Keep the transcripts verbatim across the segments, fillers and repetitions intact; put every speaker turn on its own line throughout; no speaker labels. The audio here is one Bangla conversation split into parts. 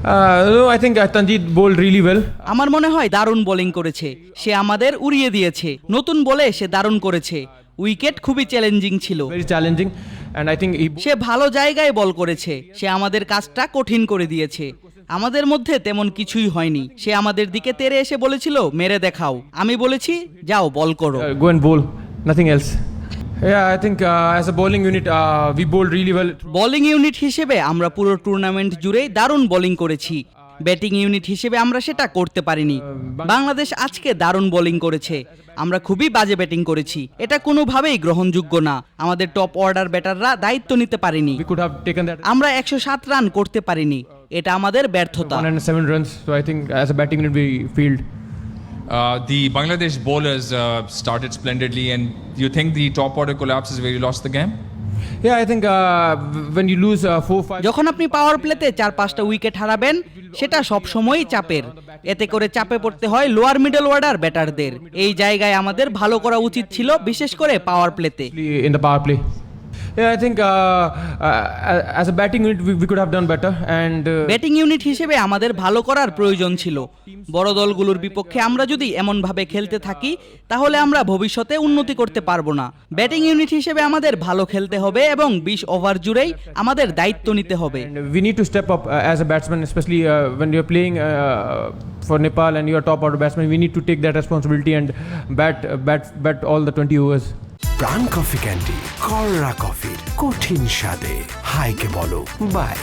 no, I think uh, Tanjeet bowled really well.
আমার মনে হয় দারুণ বোলিং করেছে, সে আমাদের উড়িয়ে দিয়েছে। নতুন বলে সে দারুণ করেছে, উইকেট খুবই চ্যালেঞ্জিং ছিল।
Very challenging, and I think he.
সে ভালো জায়গায় বল করেছে, সে আমাদের কাজটা কঠিন করে দিয়েছে। আমাদের মধ্যে তেমন কিছুই হয়নি, সে আমাদের দিকে তেড়ে এসে বলেছিল মেরে দেখাও, আমি বলেছি যাও বল করো।
Uh, go and bowl, nothing else. Yeah, I think uh, as a bowling unit, uh, we bowled really well.
Bowling unit হিসেবে আমরা পুরো টুর্নামেন্ট জুড়েই দারুণ বোলিং করেছি। ব্যাটিং ইউনিট হিসেবে আমরা সেটা করতে পারিনি। বাংলাদেশ আজকে দারুণ বোলিং করেছে, আমরা খুবই বাজে ব্যাটিং করেছি, এটা কোনোভাবেই গ্রহণযোগ্য না। আমাদের টপ অর্ডার ব্যাটাররা দায়িত্ব নিতে পারেনি,
We could have taken that
আমরা একশো সাত রান করতে পারিনি, এটা আমাদের ব্যর্থতা।
one hundred seven runs. So I think as a batting unit, we failed.
Uh, the Bangladesh bowlers uh, started splendidly, and you think the top order collapse is where you lost the game?
Yeah, I think uh, when you lose uh, four, five.
যখন আপনি পাওয়ার প্লেতে চার পাঁচটা উইকেট হারাবেন, সেটা সব সময়ই চাপের। এতে করে চাপে পড়তে হয় লোয়ার মিডল অর্ডার ব্যাটারদের। এই জায়গায় আমাদের ভালো করা উচিত ছিল, বিশেষ করে পাওয়ার প্লেতে।
In the power play. Yeah, I think uh, uh, as a batting unit, we, we could have done better. And uh,
batting unit হিসেবে আমাদের ভালো করার প্রয়োজন ছিল। বড় দলগুলোর বিপক্ষে আমরা যদি এমনভাবে খেলতে থাকি, তাহলে আমরা ভবিষ্যতে উন্নতি করতে পারবো না। ব্যাটিং ইউনিট হিসেবে আমাদের ভালো খেলতে হবে এবং বিশ ওভার জুড়েই আমাদের দায়িত্ব নিতে হবে।
and we need to step up uh, as a batsman, especially uh, when you're playing uh, for Nepal and you're top order batsman. We need to take that responsibility and bat, uh, bat, bat all the twenty overs.
Pran coffee candy, কররা কফির কঠিন স্বাদে হাইকে বলো বাই।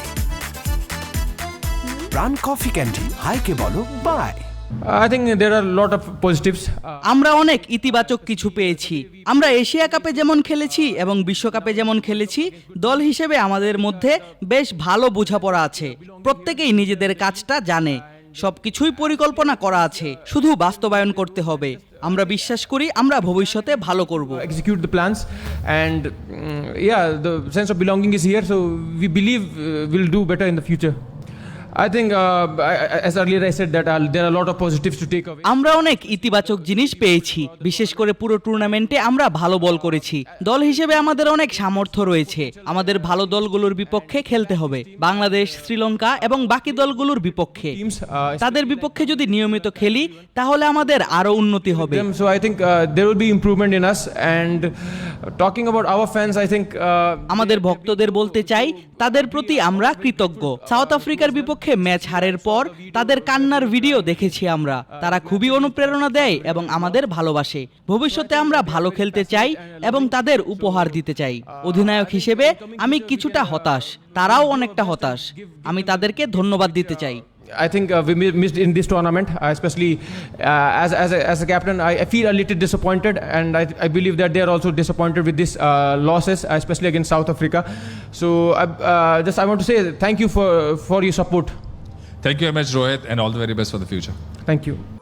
প্রাণ কফি ক্যান্ডি, হাইকে বলো bye.
I think there are a lot of positives. Uh,
আমরা অনেক ইতিবাচক কিছু পেয়েছি। আমরা এশিয়া কাপে যেমন খেলেছি এবং বিশ্বকাপে যেমন খেলেছি, দল হিসেবে আমাদের মধ্যে বেশ ভালো বোঝাপড়া আছে। প্রত্যেকেই নিজেদের কাজটা জানে, সবকিছুই পরিকল্পনা করা আছে, শুধু বাস্তবায়ন করতে হবে। আমরা বিশ্বাস করি আমরা ভবিষ্যতে ভালো করব।
execute the plans, and mm, yeah, the sense of belonging is here, so we believe uh, we'll do better in the future. I think uh, I, as earlier I said that uh, there are a lot of positives to take away.
আমরা অনেক ইতিবাচক জিনিস পেয়েছি, বিশেষ করে পুরো টুর্নামেন্টে আমরা ভালো বল করেছি। দল হিসেবে আমাদের অনেক সামর্থ্য রয়েছে, আমাদের ভালো দলগুলোর বিপক্ষে খেলতে হবে। বাংলাদেশ, শ্রীলঙ্কা এবং বাকি দলগুলোর বিপক্ষে,
Teams, uh,
তাদের বিপক্ষে যদি নিয়মিত খেলি, তাহলে আমাদের আরো উন্নতি হবে।
them, so I think uh, there will be improvement in us. And uh, talking about our fans, I think uh,
আমাদের ভক্তদের বলতে চাই, তাদের প্রতি আমরা কৃতজ্ঞ। সাউথ আফ্রিকার বিপক্ষে ম্যাচ হারের পর তাদের কান্নার ভিডিও দেখেছি আমরা, তারা খুবই অনুপ্রেরণা দেয় এবং আমাদের ভালোবাসে। ভবিষ্যতে আমরা ভালো খেলতে চাই এবং তাদের উপহার দিতে চাই। অধিনায়ক হিসেবে আমি কিছুটা হতাশ, তারাও অনেকটা হতাশ, আমি তাদেরকে ধন্যবাদ দিতে চাই।
I think uh, we mi- missed in this tournament, uh, especially uh, as as a, as a captain. I, I feel a little disappointed, and I, I believe that they are also disappointed with these uh, losses, especially against South Africa. So I uh, just I want to say thank you for for your support.
Thank you very much, Rohit, and all the very best for the future.
Thank you.